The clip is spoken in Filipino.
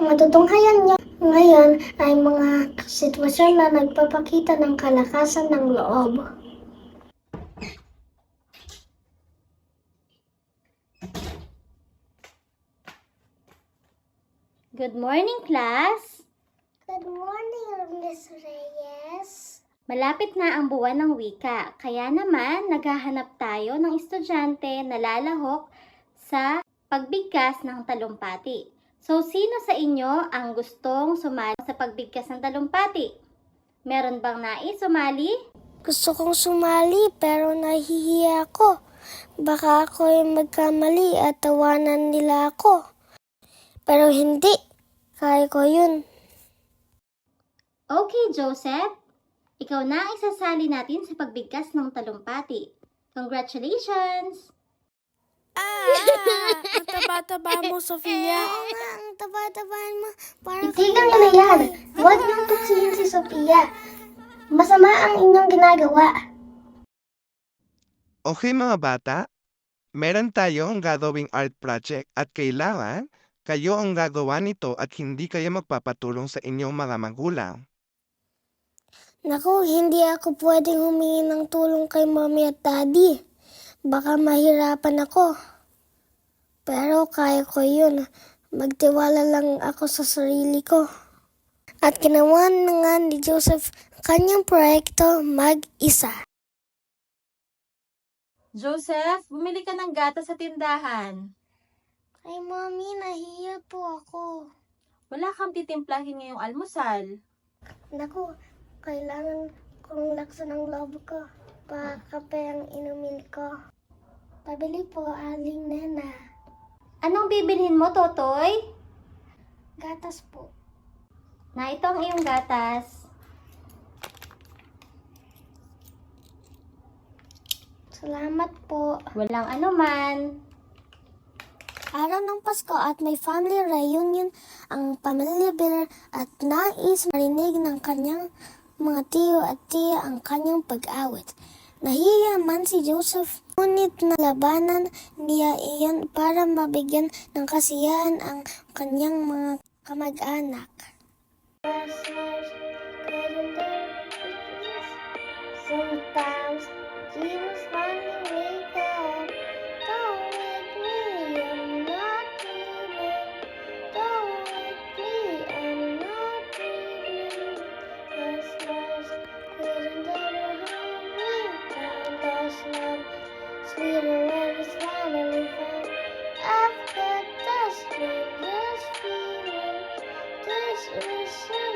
matutunghayan niya ngayon ay mga sitwasyon na nagpapakita ng kalakasan ng loob. Good morning, class! Good morning, Miss Reyes. Malapit na ang buwan ng wika, kaya naman naghahanap tayo ng estudyante na lalahok sa pagbigkas ng talumpati. So, sino sa inyo ang gustong sumali sa pagbigkas ng talumpati? Meron bang nais sumali? Gusto kong sumali pero nahihiya ako. Baka ako ay magkamali at tawanan nila ako. Pero hindi. Kaya ko yun. Okay, Joseph. Ikaw na ang isasali natin sa pagbigkas ng talumpati. Congratulations! Ang taba-taba mo, Sofia. Oo nga, ang taba-tabahan mo. Itigan niyo na yan. Huwag niyong tuksihin si Sophia. Masama ang inyong ginagawa. Okay mga bata, meron tayong gagawing art project at kailangan kayo ang gagawa nito at hindi kayo magpapatulong sa inyong mga magulang. Naku, hindi ako pwedeng humingi ng tulong kay Mommy at Daddy. Baka mahirapan ako. Pero kaya ko yun. Magtiwala lang ako sa sarili ko. At ginawa na nga ni Joseph kanyang proyekto mag-isa. Joseph, bumili ka ng gata sa tindahan. Ay, Mommy, nahiya po ako. Wala kang titimplahin ngayong almusal. Naku, kailangan kong laksan ng loob ko. Kape ang inumin ko. Pabili po, Aling Nena. Anong bibilhin mo, Totoy? Gatas po. Na ito ang iyong gatas. Salamat po. Walang anuman. Araw ng Pasko at may family reunion ang pamilya Biller at nais marinig ng kanyang mga tiyo at tiya ang kanyang pag-awit. Nahiya man si Joseph, ngunit nalabanan niya iyan para mabigyan ng kasiyahan ang kanyang mga kamag-anak. Sometimes dreams finally wake up. Don't wake me, I'm not dreaming. Don't wake me, I'm not dreaming. This was couldn't ever hold me down. Lost love, sweeter when it's finally found. I've got the strangest feeling. This is